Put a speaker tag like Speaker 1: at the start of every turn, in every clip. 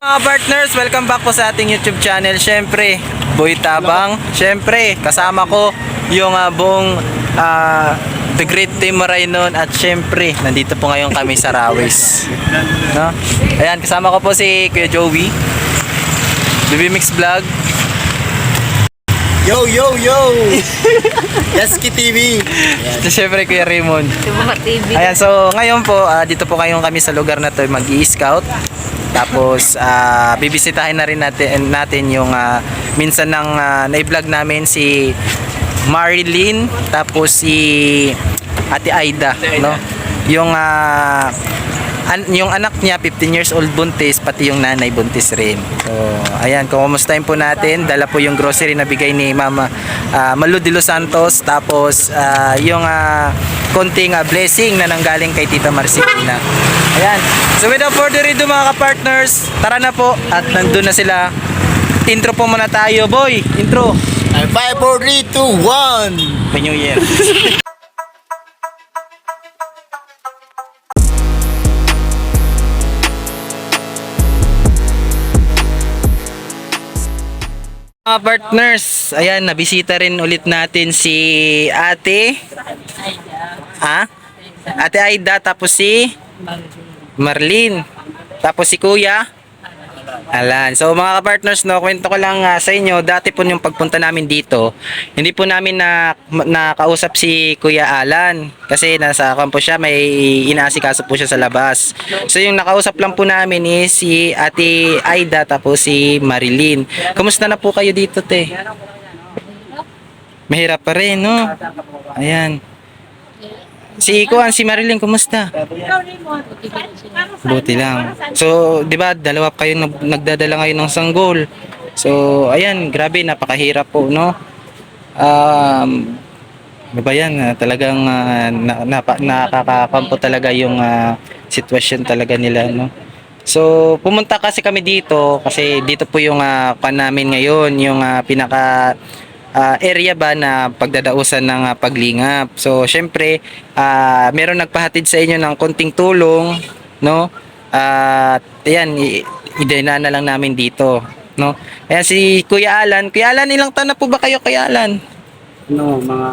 Speaker 1: Mga partners, welcome back po sa ating YouTube channel. Siyempre, Boy Tabang. Siyempre, kasama ko yung buong The Great Team Marainon. At siyempre, nandito po ngayon kami sa Rawis, no? Ayan, kasama ko po si Kuya Joey, BB Mix Vlog.
Speaker 2: Yo, yo, yo! Yaski TV!
Speaker 1: At siyempre, Kuya Raymond.
Speaker 3: TV.
Speaker 1: Ayan, so ngayon po, dito po ngayon kami sa lugar na to mag-i-scout. Tapos bibisitahin na rin natin yung minsan ng na-vlog namin si Marilyn, tapos si Ate Aida, no? Yung anak niya 15 years old buntis, pati yung nanay buntis rin. So ayan, kumustahin po natin. Dala po yung grocery na bigay ni Mama Malu de los Santos, tapos yung konting blessing na nanggaling kay Tita Marcelina. Ayan. So without further ado mga ka-partners, tara na po at nandun na sila. Intro po muna tayo, boy. Intro.
Speaker 2: 5, 4, 3, 2, 1!
Speaker 1: Happy New Year. Mga partners, ayan, nabisita rin ulit natin si Ate Ate Aida, tapos si Marlene, tapos si Kuya Alan. So mga ka-partners, no, kwento ko lang sa inyo, dati po yung pagpunta namin dito, hindi po namin nakausap si Kuya Alan kasi nasa kampo siya, may inaasikaso po siya sa labas. So yung nakausap lang po namin is si Ate Aida, tapos si Marilyn. Kumusta na po kayo dito, te? Mahirap pa rin, no? Ayan. Si Marilyn, kumusta? Buti lang. So, 'di ba, dalawa kayo nagdadala ngayon ng sanggol. So, ayan, grabe, napakahirap po, no? Ano ba yan? Talagang nakakakampo talaga yung sitwasyon talaga nila, no? So, pumunta kasi kami dito kasi dito po yung pan namin ngayon, yung pinaka area ba na pagdadausan ng paglingap. So, syempre, meron nagpahatid sa inyo ng konting tulong, no? At ayan, idena na lang namin dito, no? Ayan si Kuya Alan. Kuya Alan, ilang taon na po ba kayo, Kuya Alan?
Speaker 4: No, mga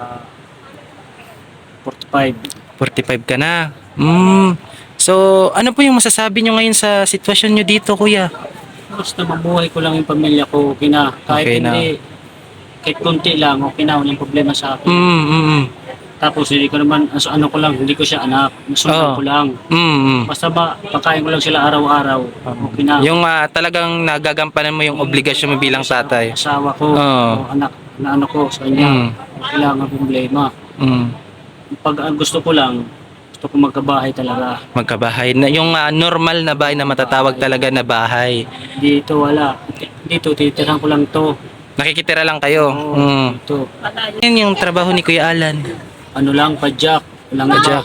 Speaker 4: 45.
Speaker 1: 45 ka na. So, ano po yung masasabi nyo ngayon sa sitwasyon nyo dito, Kuya?
Speaker 4: Basta mabuhay ko lang yung pamilya ko, okay na. Kahit
Speaker 1: Okay na.
Speaker 4: hindi, kahit konti lang, okay na, walang problema sa akin. Tapos hindi ko naman, ano ko lang, hindi ko siya anak, nasundan ko lang. Basta pakain ko lang sila araw-araw, okay na.
Speaker 1: Yung talagang nagagampanan mo yung obligasyon mo bilang tatay.
Speaker 4: Asawa ko,
Speaker 1: Oo.
Speaker 4: o anak, na ano ko sa kanya, okay lang ang problema. Pag gusto ko lang, gusto ko magkabahay talaga.
Speaker 1: Magkabahay na yung normal na bahay na matatawag talaga na bahay.
Speaker 4: Dito wala. Dito titirahan ko lang to.
Speaker 1: Nakikitira lang kayo.
Speaker 4: Dito.
Speaker 1: Yan yung trabaho ni Kuya Alan.
Speaker 4: Ano lang, padjak. Walang
Speaker 1: Padjak.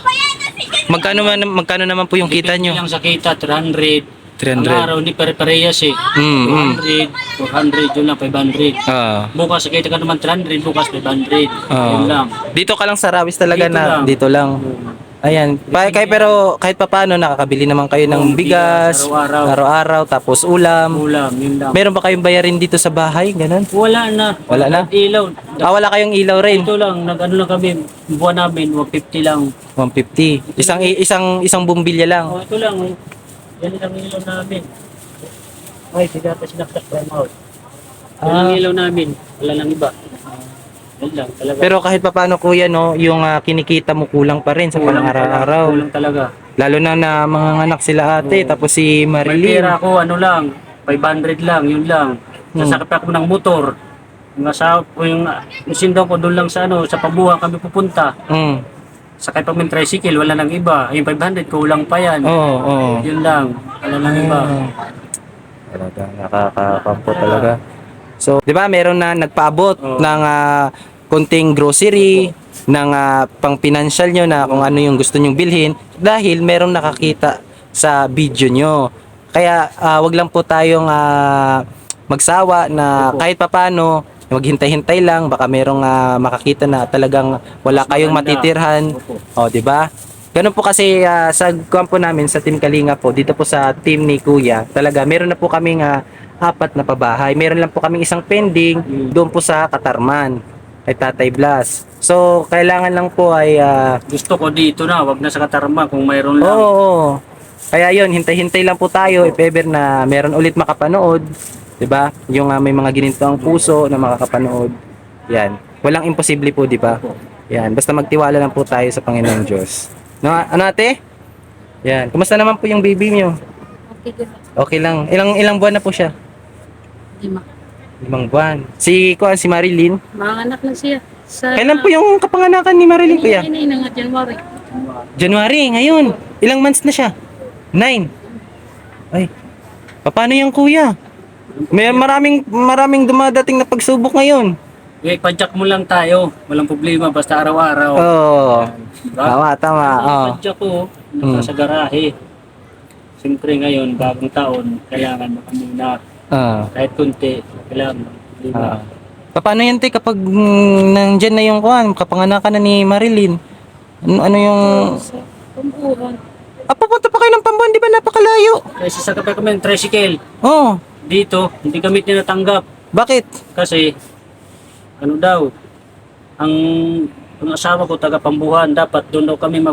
Speaker 1: Magkano naman po yung kita nyo?
Speaker 4: Lang sa kita, 300.
Speaker 1: 300.
Speaker 4: Ang araw, hindi pare-parehas eh. 200, 400, yun lang, 500. Bukas, sa kita ka naman 300, bukas 500. Yun lang.
Speaker 1: Dito ka lang sa Rawis talaga
Speaker 4: Dito
Speaker 1: na
Speaker 4: lang.
Speaker 1: dito lang. Ayan. Pero kahit papaano nakakabili naman kayo ng bigas, araw-araw, tapos ulam.
Speaker 4: Ulam, yun lang.
Speaker 1: Meron ba kayong bayarin dito sa bahay? Ganun?
Speaker 4: Wala na.
Speaker 1: Wala na?
Speaker 4: Ilaw.
Speaker 1: Wala kayong ilaw rin.
Speaker 4: Ito lang, nag-ano lang kami, buwan namin, 150 lang.
Speaker 1: 150. Isang bumbilya lang.
Speaker 4: Oh, ito lang. Yan lang ilaw namin. Ay, siya sinaksak from out. Yan lang ilaw namin. Wala lang iba. Yan lang, talaga.
Speaker 1: Pero kahit papaano, Kuya, no, yung kinikita mo kulang pa rin sa pang-araw-araw.
Speaker 4: Kulang talaga.
Speaker 1: Lalo na mga anak sila ate, tapos si
Speaker 4: May
Speaker 1: Marilyn.
Speaker 4: pera ako, ano lang, 500 lang, yun lang. Sasakit ako ng motor. Yung asawa ko, yung sindaw ko doon lang sa sa pabuha kami pupunta. Sakay pa min tricycle, wala nang iba. Yung 500, kulang pa yan.
Speaker 1: Oo.
Speaker 4: Yun lang, wala nang iba.
Speaker 1: Talaga, nakakakampo talaga. So, di ba, meron na nagpaabot ng konting grocery, ng pang-financial nyo na kung ano yung gusto nyong bilhin dahil merong nakakita sa video nyo. Kaya, wag lang po tayong magsawa na kahit papano, maghintay-hintay lang, baka merong makakita na talagang wala kayong matitirhan. O, di ba? Ganun po kasi sa kampo namin, sa Team Kalinga po, dito po sa team ni Kuya, talaga meron na po kaming apat na pabahay. Meron lang po kaming isang pending doon po sa Katarman kay Tatay Blas. So, kailangan lang po ay
Speaker 4: Gusto ko dito na, wag na sa Katarma kung mayroon lang.
Speaker 1: oo. Kaya yun, hintay-hintay lang po tayo if ever na meron ulit makapanood, 'di ba? Yung may mga ginintong puso na makakapanood. Yan. Walang imposible po, 'di ba? Yan, basta magtiwala lang po tayo sa Panginoong Diyos. No, ano ate? Yan. Kumusta naman po yung baby niyo?
Speaker 3: Okay, good.
Speaker 1: Okay lang. Ilang buwan na po siya?
Speaker 3: 5.
Speaker 1: 5 buwan. Si Marilyn.
Speaker 3: Mga anak na siya. Sa,
Speaker 1: Kailan po yung kapanganakan ni Marilyn, kuya?
Speaker 3: Ini nga January.
Speaker 1: January, ngayon. Ilang months na siya? 9. Ay. Paano yan, kuya? May maraming dumadating na pagsubok ngayon.
Speaker 4: Padyak mo lang tayo, walang problema, basta araw-araw.
Speaker 1: Oo.
Speaker 4: Diba?
Speaker 1: Tama. Oo.
Speaker 4: Padyak ko, nasa garahe. Siyempre ngayon, bagong taon, kailangan makamuna. Kahit kunti, kailangan. Diba?
Speaker 1: Paano yan, te, kapag nandyan na yung kapanganakan na ni Marilyn? Ano yung...
Speaker 3: Sa pambuhan.
Speaker 1: Papunta pa kayo ng Pambuan, di ba napakalayo?
Speaker 4: Kasi sa kapag kami ng tricycle,
Speaker 1: Oh,
Speaker 4: dito, hindi kami tinatanggap.
Speaker 1: bakit?
Speaker 4: Kasi, ano daw, ang asawa ko taga Pambuhan, dapat doon daw kami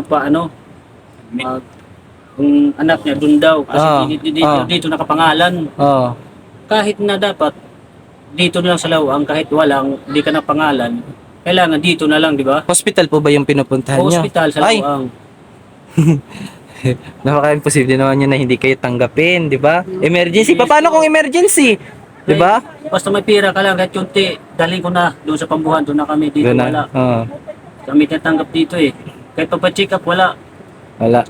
Speaker 4: yung anak niya doon daw, kasi dito nakapangalan.
Speaker 1: Oh.
Speaker 4: Kahit na dapat, dito na lang sa Lawang, kahit walang, hindi ka na pangalan, kailangan dito na lang, di ba?
Speaker 1: Hospital po ba yung pinupuntahan niyo?
Speaker 4: Hospital sa
Speaker 1: Ay,
Speaker 4: Lawang.
Speaker 1: napaka-imposible naman yun na hindi kayo tanggapin, di ba? Emergency. Paano kung emergency? Di ba?
Speaker 4: Basta may pira ka lang, kahit kunti, dalhin ko na doon sa Pambuhan, doon na kami, dito
Speaker 1: Doon na.
Speaker 4: wala.
Speaker 1: Oo.
Speaker 4: Kami tinatanggap dito eh. Kahit pa-check up, wala.
Speaker 1: Wala.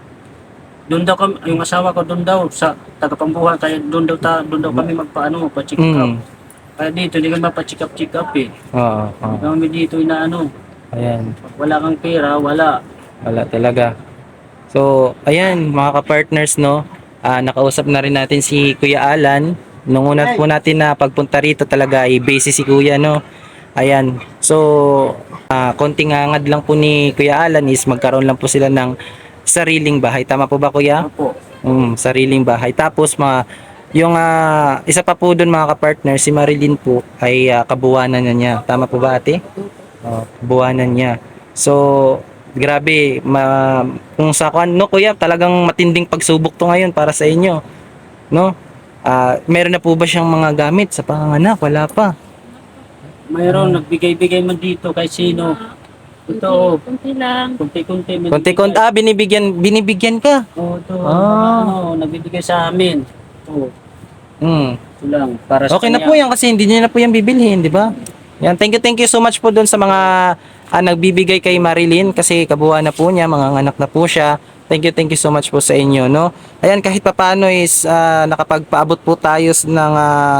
Speaker 4: Doon daw kami, yung asawa ko doon daw sa taga-Pambuhan, kaya doon daw kami magpa-check up.
Speaker 1: Mm.
Speaker 4: Kaya dito, hindi kami mapa-check up eh.
Speaker 1: Oo.
Speaker 4: Hindi kami dito inaano.
Speaker 1: Ayan.
Speaker 4: Pag wala kang pera, wala.
Speaker 1: Wala talaga. So, ayan, mga ka-partners, no? Nakausap na rin natin si Kuya Alan. Nung una po natin na pagpunta rito talaga ay busy si Kuya, no? Ayan. So, konting hangad lang po ni Kuya Alan is magkaroon lang po sila ng sariling bahay. Tama po ba, Kuya?
Speaker 4: Opo.
Speaker 1: Sariling bahay. Tapos, yung isa pa po doon, mga ka-partner, si Marilyn po ay kabuwanan na niya. Tama po ba, ate? Buwanan niya. So, grabe, kung sa no, kuya, talagang matinding pagsubok to ngayon para sa inyo. No? Meron na po ba siyang mga gamit sa panganganak? Wala pa.
Speaker 4: Mayroon, nagbigay-bigay man dito kahit sino. Ito,
Speaker 3: Kunti lang.
Speaker 4: kunti-kunti. man
Speaker 1: Konti-konti, binibigyan ka.
Speaker 4: Oo, ito.
Speaker 1: Ah.
Speaker 4: Nagbibigay sa amin. Ito,
Speaker 1: Hmm.
Speaker 4: ito lang. Para sa
Speaker 1: Okay na
Speaker 4: kanya.
Speaker 1: po yan kasi hindi niyo na po yan bibilhin, di ba? Yan, thank you so much po doon sa mga nagbibigay kay Marilyn kasi kabuuan na po niya, mga anak na po siya. Thank you so much po sa inyo, no? Ayan, kahit papaano is nakapagpaabot po tayo ng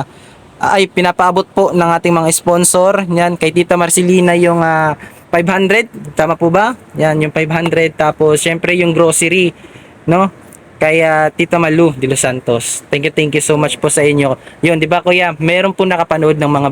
Speaker 1: pinapaabot po ng ating mga sponsor. Yan, kay Tita Marcelina yung 500, tama po ba? Yan, yung 500, tapos syempre yung grocery, no? Kaya Tita Malu de Los Santos. Thank you so much po sa inyo. Yun, 'di ba Kuya? Meron po nakapanood ng mga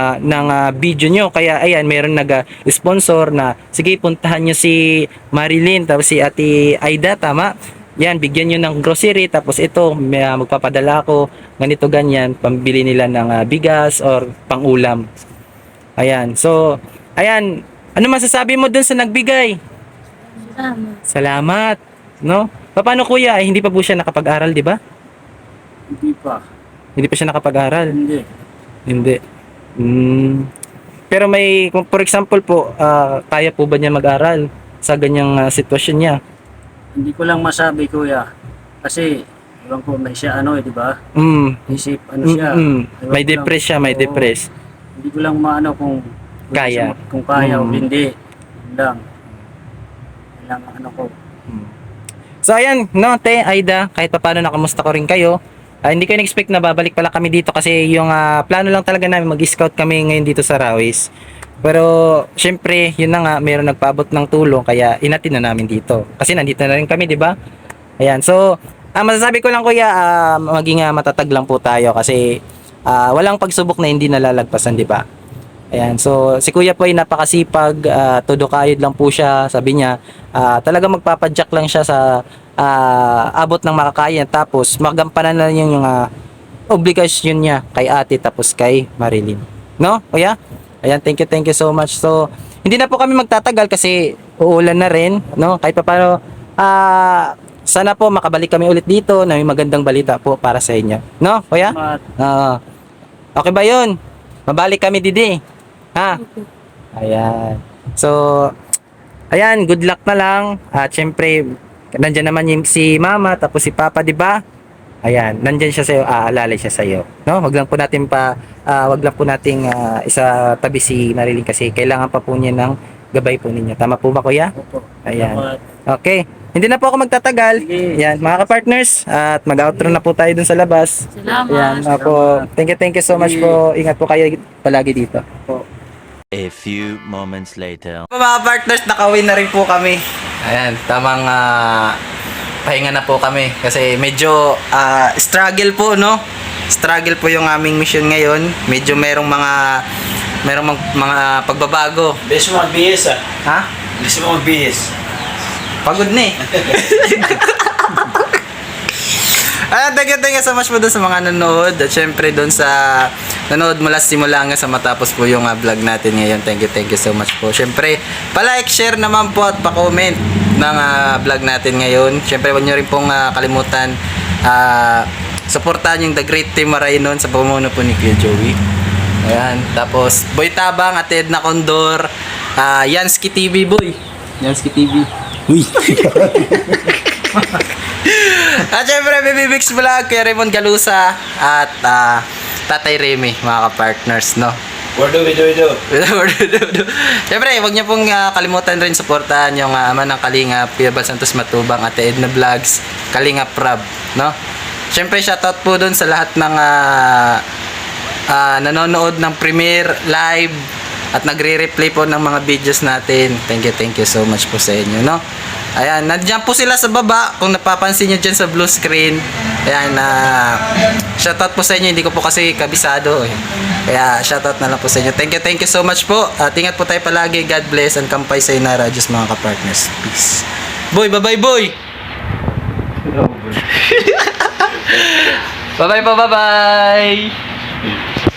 Speaker 1: video nyo. Kaya ayan, meron nag-sponsor na sige, puntahan nyo si Marilyn tapos si Ate Aida, tama? Yan, bigyan nyo ng grocery tapos ito, magpapadala ako ganito ganyan, pambili nila ng bigas or pang-ulam. Ayan. So, ayan, ano masasabi mo dun sa nagbigay? Salamat, no? Paano kuya? Hindi pa po siya nakapag-aral, di ba?
Speaker 4: Hindi pa.
Speaker 1: Hindi pa siya nakapag-aral.
Speaker 4: Hindi.
Speaker 1: Hindi. Pero kung for example po, kaya po ba niya mag-aral sa ganyang sitwasyon niya?
Speaker 4: Hindi ko lang masabi, kuya. Kasi, iwan ko, may siya di ba? Isip, siya. Ewan
Speaker 1: May
Speaker 4: ko lang.
Speaker 1: depress siya, may
Speaker 4: Oo.
Speaker 1: depress.
Speaker 4: Hindi ko lang maano kung
Speaker 1: Kaya.
Speaker 4: kung kaya o hindi. Yun lang. Yun lang ko.
Speaker 1: So ayan, no, Te, Aida, kahit pa paano nakamusta ko rin kayo. Hindi ko in-expect na babalik pala kami dito kasi yung plano lang talaga namin mag-scout kami ngayon dito sa Rawis. Pero syempre, yun na nga, mayroon nagpaabot ng tulong kaya inatin na namin dito. Kasi nandito na rin kami, di ba? Ayan, so masasabi ko lang kuya, maging matatag lang po tayo kasi walang pagsubok na hindi nalalagpasan, di ba? Ayan, so si Kuya po ay napakasipag, todo kayod lang po siya, sabi niya, talaga magpapadyak lang siya sa abot ng makakaya, tapos magampanan na yung obligasyon niya kay ate tapos kay Marilyn. No, Kuya? Ayan, thank you so much. So, hindi na po kami magtatagal kasi uulan na rin, no? Kahit pa paano, sana po makabalik kami ulit dito na may magandang balita po para sa inyo. No, Kuya?
Speaker 4: Salamat.
Speaker 1: Okay ba yun? Mabalik kami, Didi. Ha? Ayan. So, ayan, good luck na lang. At syempre, nandyan naman yung si Mama, tapos si Papa, di ba? Ayan, nandyan siya sa'yo, aalalay siya sa'yo. No? Wag lang po natin isa tabi si Marilyn kasi kailangan pa po niya ng gabay po ninyo. Tama po ba, Kuya?
Speaker 4: Opo.
Speaker 1: Ayan.
Speaker 4: Salamat.
Speaker 1: Okay. Hindi na po ako magtatagal.
Speaker 4: Sige.
Speaker 1: Ayan, mga ka-partners, at mag-outro na po tayo dun sa labas.
Speaker 3: Salamat.
Speaker 1: Ayan, po. Thank you so much po. Ingat po kayo palagi dito.
Speaker 5: A few moments later.
Speaker 1: Mga partners, nakawin na rin po kami. Ayan, tamang pahinga na po kami kasi medyo struggle po, no? Struggle po yung aming mission ngayon. Medyo merong mga pagbabago.
Speaker 2: Bilis mo magbihis ah.
Speaker 1: Ha?
Speaker 2: Bilis mo magbihis.
Speaker 1: Pagod na eh. Thank you so much po doon sa mga nanood at syempre doon sa nanood mula simula hanggang sa matapos po yung vlog natin ngayon. Thank you so much po. Syempre, pa-like, share naman po at pa-comment ng vlog natin ngayon. Syempre, huwag nyo rin pong kalimutan suportahan yung The Great Team Marainon sa pamumuno po ni Kuya Joey. Ayan. Tapos, Boy Tabang at Edna Condor, Yansky TV, boy. Yansky TV. Uy. At syempre, Baby Bix Vlog, Kuya Raymond Galusa, at Tatay Remy, mga ka-partners, no?
Speaker 2: Wordo.
Speaker 1: Syempre, huwag niyo pong kalimutan rin suportahan yung ama ng Kalingap, Kuya Bal Santos Matubang, Ate Edna Vlogs, Kalingap Rab, no? Syempre, shoutout po dun sa lahat ng nanonood ng premiere live at nagre-replay po ng mga videos natin. Thank you so much po sa inyo, no? Ayan, nandiyan po sila sa baba kung napapansin nyo dyan sa blue screen. Ayan, shoutout po sa inyo. Hindi ko po kasi kabisado eh. Kaya shoutout na lang po sa inyo. Thank you so much po. At ingat po tayo palagi. God bless and kampay sa inara. Diyos mga ka-partners. Peace. Boy, bye-bye boy! Bye-bye po, bye-bye!